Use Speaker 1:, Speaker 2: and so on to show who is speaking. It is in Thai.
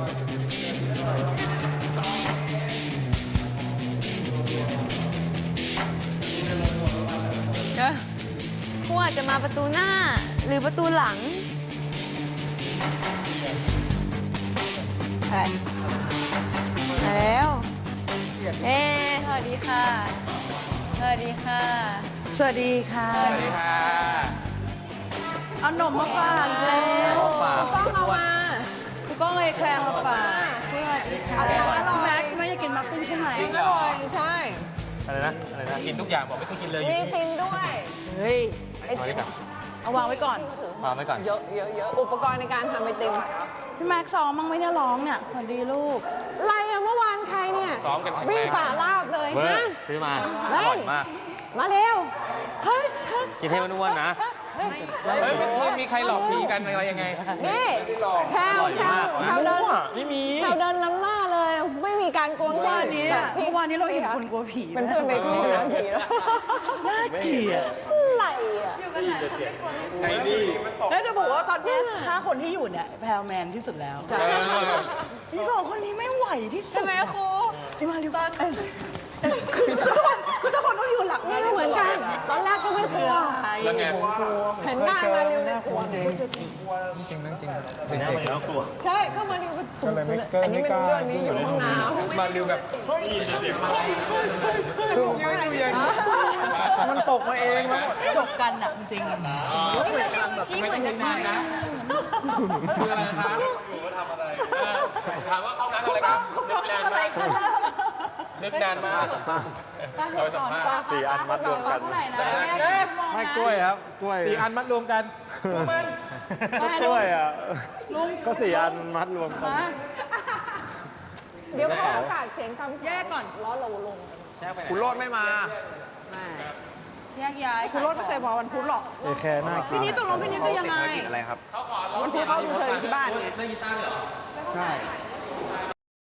Speaker 1: ครูอาจจะมาประตูหน้าหรือประตูหลังไปมาแล้วสวัสดีค่ะสวัสดีค่ะ
Speaker 2: สวัสดีค่ะ
Speaker 3: สวัสดีค่ะ
Speaker 2: เอาหนมมาฝากอีกแล้ว
Speaker 1: ต้องเอามา
Speaker 2: คุณก้องเลยแคลงมาฝากสวัสดีค่ะแม็กไม่อยากกินมัฟฟินใช่ไหม
Speaker 3: จริงเหรอ
Speaker 1: ใช่
Speaker 4: อะไรนะ
Speaker 3: กินทุกอย่างบอกไม่เคยกินเลย
Speaker 1: มีติมด้วย
Speaker 2: เฮ้ย
Speaker 4: เอาดีกว่า
Speaker 2: เอาวางไว้ก่อน
Speaker 4: วางไว้ก่อน
Speaker 1: เยอะอุปกรณ์ในการทำไอติม
Speaker 2: พี่แม็กซ้อมมั้งไหมเนี่ยร้องเนี่ยสวัสดีลูก
Speaker 1: อะไรอะเมื่อวานใครเนี่ย
Speaker 3: ซ้อมกันแข็ง
Speaker 1: วิ่
Speaker 3: แรง ง
Speaker 1: ป่าลาบเลย
Speaker 4: เบอ
Speaker 1: ฮะ
Speaker 4: ร์ซื้อมาอ
Speaker 1: เฮ้ย
Speaker 4: ร่อยมาก
Speaker 1: มาเร็วเฮ้ย
Speaker 4: กินให้มันอ้วนนะ
Speaker 3: เฮ้ยไม่มีใครหลอกผีกันอะไรยังไง
Speaker 1: นี่แถวเดิน
Speaker 3: ไม่มี
Speaker 1: แถวเดินล้ำหน้าเลย ไม่มีการกวง
Speaker 2: เมื่อ
Speaker 1: แจ้
Speaker 2: วานนี้
Speaker 1: แบบพี่
Speaker 2: เมื่อวานนี้เราเห็นคนกลัวผี
Speaker 1: เป็นเพื่อนไปที่น้ำผีแล้ว
Speaker 2: น่าเกลียด
Speaker 1: อะไรอะ
Speaker 3: ไอ้นี่
Speaker 2: แล้วจะบอกว่าตอนนี้5 คนที่อยู่เนี่ยแพลวแมนที่สุดแล้วอีก2 คนนี้ไม่ไหวที่สุด
Speaker 1: ใช่ไหมครู
Speaker 2: ที่มาเร็วคือทุกคนต้องอยู่หลัง
Speaker 1: นี่ก็เหมือนกัน ตอนแรกก็ไม่กลัว
Speaker 3: แล้วไง
Speaker 1: เห็นหน้ามาเร็วเลยกลัว
Speaker 3: จริงนั่งจริง
Speaker 4: ไม่น่ามันแล้วกลัว
Speaker 1: ใช่ก็มาเร็วอันนี้ไม่รู้เรื่องนี้อยู่ห้องน้ำ
Speaker 3: มาริวแบบมันตกมาเองแล้ว
Speaker 2: จบกันอ่ะจริง
Speaker 3: ไม่ต้องนึกนานนะคืออะไรคะถามว่าเข้าน้ำอะไรครับ
Speaker 2: คุณต้องทำอะไรกัน
Speaker 3: นึกนานมากเราสัมภาษณ์
Speaker 4: 4 อันมัดรวมกัน
Speaker 2: เท่าไหร่นะ
Speaker 4: ให้กล้วยครับ กล้วย
Speaker 3: 4 อันมัดรวมกันมัน
Speaker 4: กล้วยอ่ะก็4 อันมัดรวมกัน
Speaker 1: เดี๋ยวขอโอกาสเสียงคำ
Speaker 2: แยกก่อน
Speaker 1: ล้อเราลง
Speaker 3: คุณโรดไม่มา
Speaker 2: แยกย้ายคุณรถไม่เคยมาวันพุธหรอก
Speaker 4: เอแคร์น่ากิ
Speaker 2: พี่
Speaker 4: น
Speaker 2: นี้ตกลงพี่นี้จะยังไง
Speaker 4: อะไรครับ
Speaker 2: วันพุธเขาดูเธออยู่ที่บ้านไง
Speaker 3: เล่นกีตาร์เหรอ
Speaker 4: ใช่